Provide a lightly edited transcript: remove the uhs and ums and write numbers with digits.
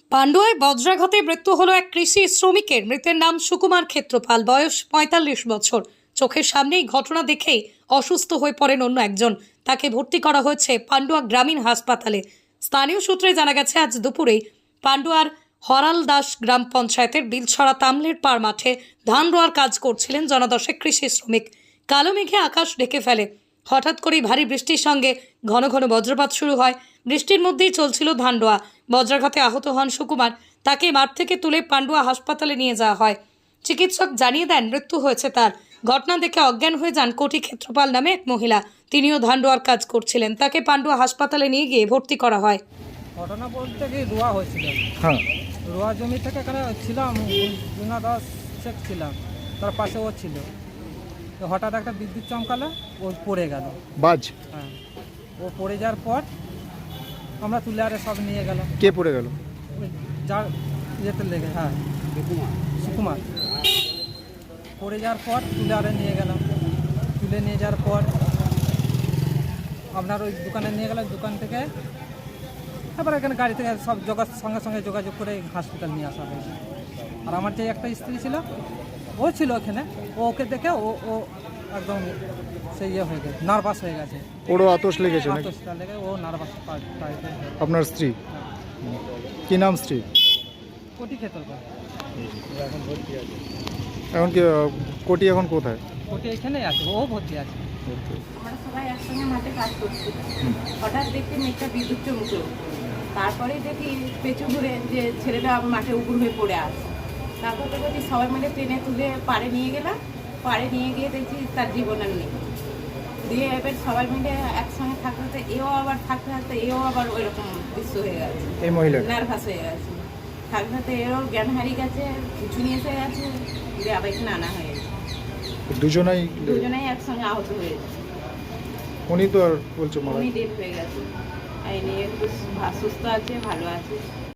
পান্ডুয়ায় বজ্রাঘাতে মৃত্যু হলো এক কৃষি শ্রমিকের। মৃতের নাম সুকুমার ক্ষেত্রপাল, বয়স ৪৫ বছর। চোখের সামনেই ঘটনা দেখেই অসুস্থ হয়ে পড়েন অন্য একজন। তাকে ভর্তি করা হয়েছে পান্ডুয়া গ্রামীণ হাসপাতালে। স্থানীয় সূত্রে জানা গেছে, আজ দুপুরেই পান্ডুয়ার হরালদাস গ্রাম পঞ্চায়েতের বিলছড়া তামলের পাড় মাঠে ধান রোয়ার কাজ করছিলেন জনদশেক কৃষি শ্রমিক। কালো মেঘে আকাশ ঢেকে ফেলে। হঠাৎ করেই ভারী বৃষ্টির সঙ্গে ঘন ঘন বজ্রপাত শুরু হয়। বৃষ্টির মধ্যেই চলছিল ধান রোয়া। বজ্রাঘাতে আহত হন সুকুমার। তাকে মাঠ থেকে তুলে পান্ডুয়া হাসপাতালে নিয়ে যাওয়া হয়। চিকিৎসক জানিয়ে দেন মৃত্যু হয়েছে তার। ঘটনা দেখে অজ্ঞান হয়ে যান কোটি ক্ষেত্রপাল নামে এক মহিলা। তিনিও ধান রোয়ার কাজ করছিলেন। তাকে পান্ডুয়া হাসপাতালে নিয়ে গিয়ে ভর্তি করা হয়। ঘটনা বলতে কি রোয়া হয়েছিল। হ্যাঁ, রোয়া জমি থেকে এখানে ছিলাম, জুনা দাস শেখ ছিলাম, তার পাশে ও ছিল। তো হঠাৎ একটা বিদ্যুৎ চমকালো, ও পড়ে গেল। বাজ হ্যাঁ, ও পড়ে যাওয়ার পর আমরা তুলে আরে সব নিয়ে গেলাম। কে পড়ে গেল? ওই যার ইয়েতে লেগে, হ্যাঁ সুকুমার পড়ে যাওয়ার পর তুলে আরে নিয়ে গেলাম। তুলে নিয়ে যাওয়ার পর আপনার ওই দোকানে নিয়ে গেলাম। দোকান থেকে তারপর এখানে গাড়ি থেকে সব সঙ্গে সঙ্গে যোগাযোগ করে হসপিটাল নিয়ে আসা হয়েছে। আর আমার যে একটা স্ত্রী ছিল, ও ছিল ওখানে। ওকে দেখে ও একদম সেই ইয়ে হয়ে গেছে, নার্ভাস হয়ে গেছে। ওরও আতস লেগেছে নাকি? আতসটা লেগে ও নার্ভাস। আপনার স্ত্রী? কি নাম স্ত্রী? কোটি খেতে হবে। এখন কি কোটি এখন কোথায়? কোটি এখানেই আছে, ও ভর্তি আছে। আমরা সবাই একসঙ্গে মাঠে কাজ করছি। হঠাৎ দেখতে মেঘটা বিদ্যুৎ চমকলো। তারপরে দেখি পেছু ঘুরে যে ছেলেটা মাঠে উপুর হয়ে পড়ে আছে। তারপর দেখি সবাই মিলে ট্রেনে তুলে পাড়ে নিয়ে গেলাম। পাড়ে নিয়ে গিয়ে দেখছি তার জীবন আর নেই। দিয়ে এবার সবাই মিলে একসঙ্গে থাকতে থাকতে থাকতে থাকতে এও আবার ওই রকম দৃশ্য হয়ে গেছে। এই মহিলা নার্ভাস হয়ে গেছে। থাকতে থাকতে এরও জ্ঞান হারিয়ে গেছে, কিছু নিয়ে এসে গেছে। দিয়ে আবার এখানে আনা হয়েছে। দুজনেই একসঙ্গে আহত হয়েছে। উনি তো আর বলছে মারা উনি ডেট হয়ে গেছে। এই নিয়ে একটু সুস্থ আছে, ভালো আছে।